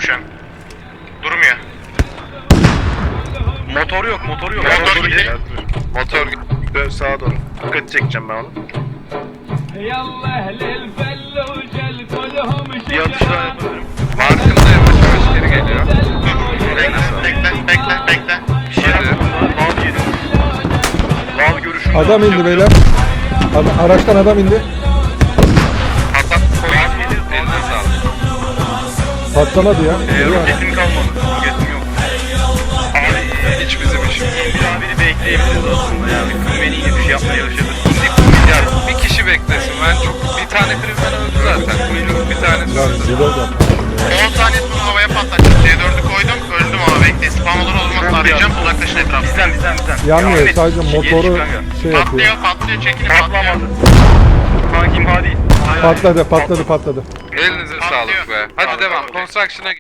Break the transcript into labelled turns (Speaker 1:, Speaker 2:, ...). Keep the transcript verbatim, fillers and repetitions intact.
Speaker 1: şu an. Durmuyor.
Speaker 2: Motor yok, motor yok.
Speaker 1: Motor
Speaker 2: Motor
Speaker 1: gitti.
Speaker 2: Motor
Speaker 1: Dön sağa doğru. Dikkat çekeceğim ben onu.
Speaker 2: bir atış daha yapabilirim. Farkında yavaş yavaş geri geliyor.
Speaker 1: Bekle, bekle, bekle, bekle. Bir şey
Speaker 2: Hadi.
Speaker 1: yap. Val yedi. Val görüşüm.
Speaker 3: Adam indi beyler. Ad- araçtan adam indi.
Speaker 2: Patlat. Val yedi. Eline sağlık.
Speaker 3: Patlamadı ya.
Speaker 1: Ee,
Speaker 3: Geliyor.
Speaker 1: roketim kalmadı. Roketim yok.
Speaker 2: Abi hiç bizim işimiz.
Speaker 1: Bir abini bekleyebiliriz aslında yani. Beni iyi bir şey yapmaya çalışırız.
Speaker 2: Ya bir kişi beklesin. Ben çok bir tane kriminal öldü zaten. Kuyruk bir tanesi
Speaker 3: Lan
Speaker 2: öldü.
Speaker 3: reload yap.
Speaker 1: on saniye sonra havaya patlatacağım. C dördü koydum. Öldüm ama bekle. Spam olur olmaz arayacağım. Uzaklaşın etrafı. Bizden bizden bizden.
Speaker 3: Yanmıyor, sadece motoru şey yapıyor.
Speaker 1: Patlıyor patlıyor. Çekilin patlıyor. Kankim hadi.
Speaker 3: Patladı patladı patladı.
Speaker 2: Elinize
Speaker 1: Patlıyor.
Speaker 2: sağlık be. Hadi
Speaker 1: Sağlık,
Speaker 2: devam.
Speaker 1: sağlık.
Speaker 2: Construction'a